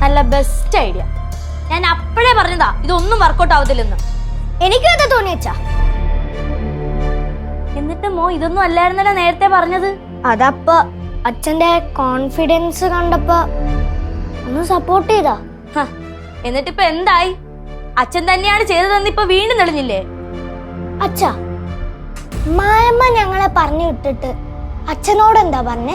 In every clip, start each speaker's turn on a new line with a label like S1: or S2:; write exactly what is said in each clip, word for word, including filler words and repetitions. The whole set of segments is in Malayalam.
S1: നല്ല ബെസ്റ്റ് ഐഡിയ. ഞാൻ അപ്പോഴേ പറഞ്ഞതാ ഇതൊന്നും വർക്കൗട്ട് ആവത്തില്ലെന്ന്.
S2: എനിക്കും അത് തോന്നി അച്ഛാ.
S1: എന്നിട്ട് മോ ഇതൊന്നും അല്ലായിരുന്നല്ലോ നേരത്തെ പറഞ്ഞത്.
S2: അതപ്പോ അച്ഛന്റെ കോൺഫിഡൻസ് കണ്ടപ്പോ ഒന്ന് സപ്പോർട്ട് ചെയ്താ.
S1: എന്നിട്ടിപ്പൊ എന്തായി? അച്ഛൻ തന്നെയാണ് ചെയ്തതെന്ന് ഇപ്പൊ വീണ്ടും തെളിഞ്ഞില്ലേ?
S2: അച്ഛാ, മായമ്മ ഞങ്ങളെ പറഞ്ഞു വിട്ടിട്ട് അച്ഛനോട് എന്താ പറഞ്ഞേ?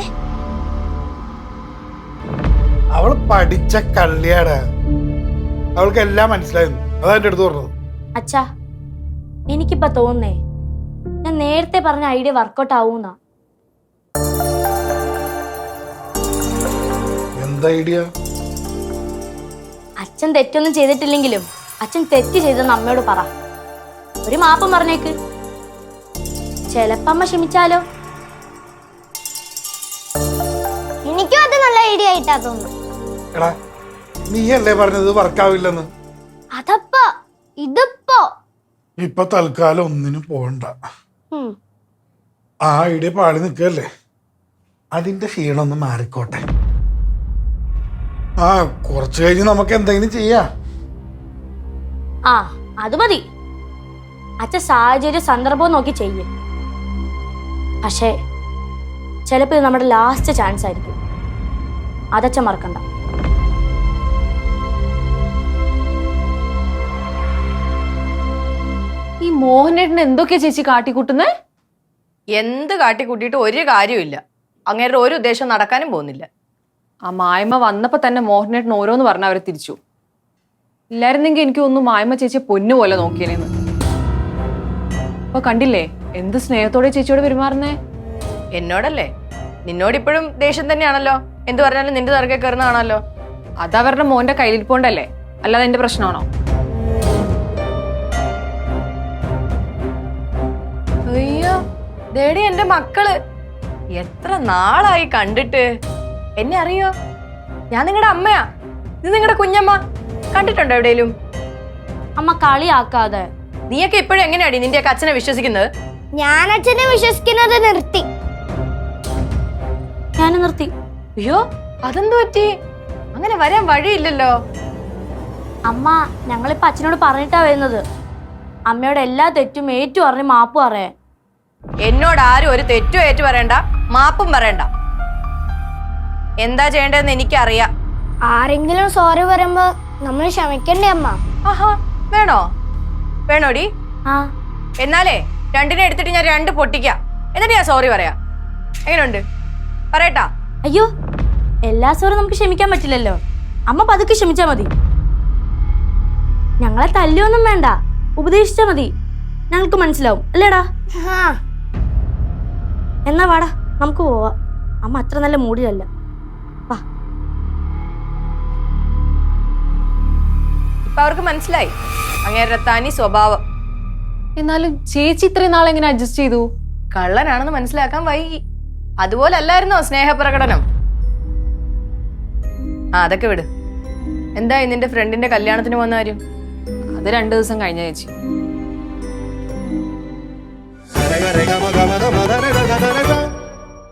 S3: അവള് പഠിച്ച കള്ളിയാടാ, അവൾക്ക് എല്ലാം മനസ്സിലായിരുന്നു. അതാ എന്റെ അടുത്ത് പറഞ്ഞത്.
S1: അച്ഛാ, എനിക്കിപ്പോ തോന്നേ ഞാൻ നേരത്തെ പറഞ്ഞ ഐഡിയ വർക്കൗട്ട് ആവൂന്നാ.
S3: എന്താ ഐഡിയ?
S1: അച്ഛൻ തെറ്റൊന്നും ചെയ്തിട്ടില്ലെങ്കിലും അച്ഛൻ തെറ്റ് ചെയ്തെന്ന് അമ്മയോട് പറ. ഒരു മാപ്പം പറഞ്ഞേക്ക്. ചെലപ്പോ അമ്മ ക്ഷമിച്ചാലോ?
S2: എനിക്കും അത് നല്ല ഐഡിയ ആയിട്ടാ തോന്നുന്നു.
S3: എടാ, നീ അല്ലേ പറഞ്ഞത് വർക്കാവില്ലെന്ന്?
S2: അതപ്പോ ഇതിപ്പോ
S3: ഇപ്പൊ തൽക്കാലം ഒന്നിനും പോകണ്ട. ആ ഐഡിയ പാടി നിൽക്കല്ലേ, അതിന്റെ ക്ഷീണം ഒന്ന് മാറിക്കോട്ടെ. ആ കുറച്ചു കഴിഞ്ഞ് നമുക്ക് എന്തെങ്കിലും ചെയ്യാം.
S1: ആ അത് മതി. അച്ഛൻ സാഹചര്യ സന്ദർഭവും നോക്കി ചെയ്യേ. പക്ഷേ ചിലപ്പോ ഇത് നമ്മുടെ ലാസ്റ്റ് ചാൻസ് ആയിരിക്കും. അതച്ഛൻ മറക്കണ്ട.
S4: ഈ മോഹനേട്ടൻ എന്തൊക്കെയാ ചേച്ചി കാട്ടിക്കൂട്ടുന്നേ?
S5: എന്ത് കാട്ടിക്കൂട്ടിയിട്ട് ഒരു കാര്യമില്ല. അങ്ങേരുടെ ഒരു ഉദ്ദേശം നടക്കാനും പോകുന്നില്ല.
S4: ആ മായ്മ വന്നപ്പോ തന്നെ മോഹനേട്ടൻ ഓരോന്ന് പറഞ്ഞ അവരെ തിരിച്ചു. ഇല്ലായിരുന്നെങ്കിൽ എനിക്ക് ഒന്നും മായ്മ ചേച്ചിയെ പൊന്നു പോലെ നോക്കിയേനെന്ന്. അപ്പൊ കണ്ടില്ലേ എന്ത് സ്നേഹത്തോടെ ചേച്ചിയോട് പെരുമാറുന്നേ?
S5: എന്നോടല്ലേ? നിന്നോടിപ്പോഴും ദേഷ്യം തന്നെയാണല്ലോ. എന്ത് പറഞ്ഞാലും നിന്റെ തറക്കെ കയറുന്ന കാണാമല്ലോ.
S4: അതവരുടെ മോന്റെ കയ്യിലിരിപ്പോണ്ടല്ലേ, അല്ലാതെ എന്റെ പ്രശ്നമാണോ?
S5: അയ്യോ, ദേടി എന്റെ മക്കള് എത്ര നാളായി കണ്ടിട്ട്. എന്നെ അറിയോ? ഞാൻ നിങ്ങളുടെ അമ്മയാ. ഇത് നിങ്ങളുടെ കുഞ്ഞമ്മ. കണ്ടിട്ടുണ്ടോ എവിടെയും?
S1: അമ്മ കളിയാക്കാതെ.
S5: നീയൊക്കെ ഇപ്പോഴും എങ്ങനെയാടി നിന്റെയൊക്കെ അച്ഛനെ വിശ്വസിക്കുന്നത്?
S2: ഞാൻ അച്ഛനെ വിശ്വസിക്കുന്നത് നിർത്തി.
S1: ഞാൻ നിർത്തി.
S5: അയ്യോ, അതെന്തു പറ്റി? അങ്ങനെ വരാൻ വഴിയില്ലല്ലോ.
S1: അമ്മ ഞങ്ങളിപ്പോ അച്ഛനോട് പറഞ്ഞിട്ടാ വരുന്നത്. അമ്മയോട് എല്ലാ തെറ്റും ഏറ്റു പറഞ്ഞ് മാപ്പ് പറയാൻ.
S5: എന്നോട് ആരും ഒരു തെറ്റും ഏറ്റു പറയണ്ട, മാപ്പും പറയണ്ട. എന്താ ചെയ്യേണ്ടതെന്ന് എനിക്കറിയാം.
S2: ആരെങ്കിലും സോറി പറയുമ്പോ നമ്മൾ ക്ഷമിക്കണ്ടേ അമ്മ?
S5: ആഹാ, വേണോ? വേണോടി?
S1: ആ
S5: എന്നാലേ രണ്ടിനെ എടുത്തിട്ട് ഞാൻ രണ്ട് പൊട്ടിക്കാം. എന്നിട്ട് ഞാൻ സോറി പറയാ. എങ്ങനെയുണ്ട്? പറയട്ടാ?
S1: അയ്യോ, എല്ലാ സോറി നമുക്ക് ക്ഷമിക്കാൻ പറ്റില്ലല്ലോ. അമ്മ പതുക്കെ ക്ഷമിച്ചാ മതി. ഞങ്ങളെ തല്ലിയൊന്നും വേണ്ട, ഉപദേശിച്ചാ മതി. ഞങ്ങൾക്ക് മനസ്സിലാവും അല്ലേടാ? എന്നാ വാടാ നമുക്ക് പോവാ. അമ്മ അത്ര നല്ല മൂഡിലല്ല. വാ.
S5: ഇപ്പൊ അവർക്ക് മനസ്സിലായി അങ്ങേരുടെ തനി സ്വഭാവം.
S4: എന്നാലും ചേച്ചി ഇത്രയും നാളെ എങ്ങനെ അഡ്ജസ്റ്റ് ചെയ്തു?
S5: കള്ളനാണെന്ന് മനസ്സിലാക്കാൻ വൈകി. അതുപോലെ അല്ലായിരുന്നോ സ്നേഹപ്രകടനം? ആ അതൊക്കെ വിട്. എന്തായി നിന്റെ ഫ്രണ്ടിന്റെ കല്യാണത്തിന് വന്ന കാര്യം?
S4: അത് രണ്ടു ദിവസം കഴിഞ്ഞ ചേച്ചി.